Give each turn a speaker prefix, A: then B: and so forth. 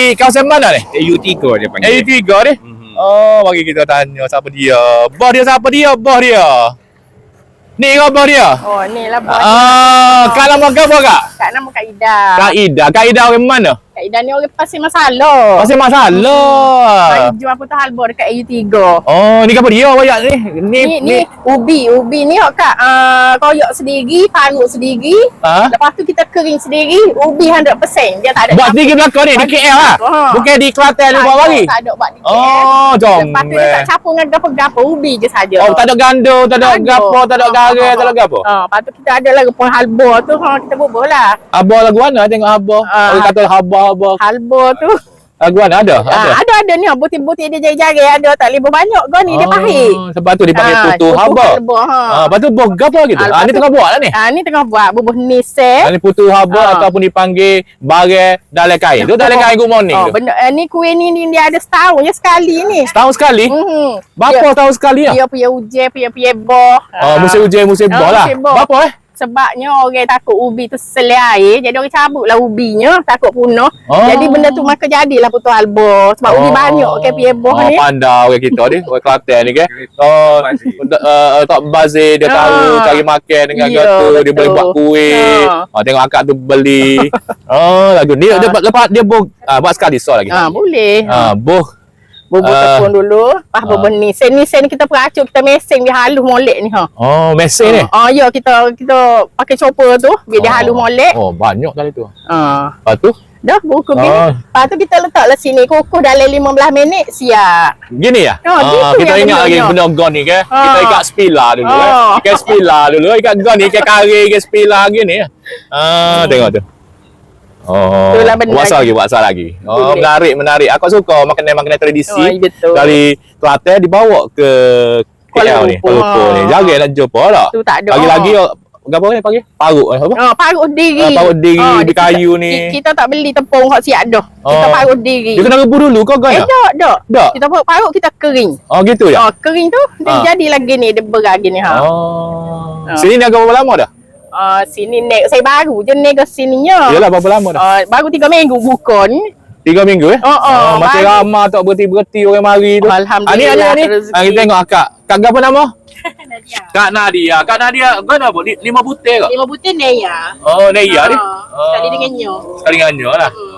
A: kawasan mana ni?
B: AU3 dia panggil.
A: AU3 ni? Oh, bagi kita tanya siapa dia. Bos dia siapa dia? Bos dia. Ni ke bos dia?
C: Oh, ni lah bos.
A: Kak nama ke apa kak?
C: Kak nama Kak Ida.
A: Kak Ida orang mana?
C: Kak Ida ni orang Pasir Masalah.
A: Pasal masalah.
C: Jual putus halbor dekat AU3.
A: Oh, ni apa dia wayak ni?
C: Ni ubi ni kak koyak sendiri, parut sendiri.
A: Ha?
C: Lepas tu kita kering sendiri, ubi 100%. Dia tak ada.
A: Buat sendiri belakang ni, di KL lah. Bukan di Kelantan ni buat lagi.
C: Tak ada buat di KL.
A: Oh, jom.
C: Lepas tu dia tak campur dengan gapo-gapo, ubi je saja.
A: Oh, tak ada gando, tak ada gapo, tak ada garam, tak ada gapo.
C: Lepas tu kita ada lagi pun halbor tu, kita bubuh lah.
A: Abah lagu mana tengok abah? Orang kata abah.
C: Halbor tu.
A: Lagu mana ada?
C: Ada ni butir-butir dia jari-jari ada tak lebih banyak kau ni dia pahit.
A: Sebab tu dipanggil putu haba. Lepas tu buah gapo gitu. Ni tengah buat lah ni.
C: Ni tengah buat bubuh nisel.
A: Ni putu haba ataupun dipanggil barang dalam kain. Tu dalam kain good morning tu.
C: Benda ni kuih ni dia ada setahun je sekali ni.
A: Setahun sekali? Berapa tahun sekali lah?
C: Dia punya hujan, punya boh.
A: Musim hujan, musim boh lah. Berapa
C: Sebabnya orang takut ubi tu selai air, jadi orang cabutlah ubinya, takut punah. Jadi benda tu maka jadilah putus halbor. Sebab ubi banyak ke pieboh ni.
A: Pandai orang kita ni, orang Kelantan ni kan. Tak bazir, dia tahu cari makan dengan gitu, dia boleh buat kuih. Tengok akak tu beli. Lagu ni lepas dia buat sekali so lagi.
C: Boleh. Bubur tepung dulu, lepas bubur ni. Sen ni kita peracuk, kita mesing dia halus molek ni
A: mesing ni.
C: Ya kita pakai chopper tu, biar dia halus molek.
A: Banyak kali tu.
C: Lepas
A: tu
C: dah buku gini. Lepas tu kita letaklah sini kukuh dalam 15 minit siap.
A: Gini ya? Kita ingat lagi benda gon ni ke? Kita ikat spila dulu Ikat spila dulu, ikat gon ni, ikat kari, ikat spila gini. Tengok tu. Buat lagi. Menarik. Aku suka makanan tradisi dari Kelantan dibawa ke KL ni, Kuala Lumpur ni. Jarang nak jumpa tak?
C: Tu tak ada.
A: Lagi apa ni panggil? Parut apa?
C: Parut diri.
A: Parut diri di kayu ni.
C: Kita tak beli tepung hak siap dah. Kita parut diri.
A: Dia kena rebus dulu kau kan?
C: Tak. Kita parut kita kering.
A: Gitu ya?
C: Kering tu dia jadi lagi ni, dia beragi ni
A: Sini ni agak berapa lama dah?
C: Sini naik saya baru je naik ke sininya.
A: Yalah berapa lama dah?
C: Baru 3 minggu bukan.
A: 3 minggu masih ramai tak berhenti orang mari tu.
C: Alhamdulillah.
A: Ni. Kita tengok akak. Kak apa nama? Nadia. Kak Nadia kan apa? 5 butir ke?
C: 5 butir Neya.
A: Neya ni.
C: Sekali dengan nyo.
A: Sekali dengan nyo lah.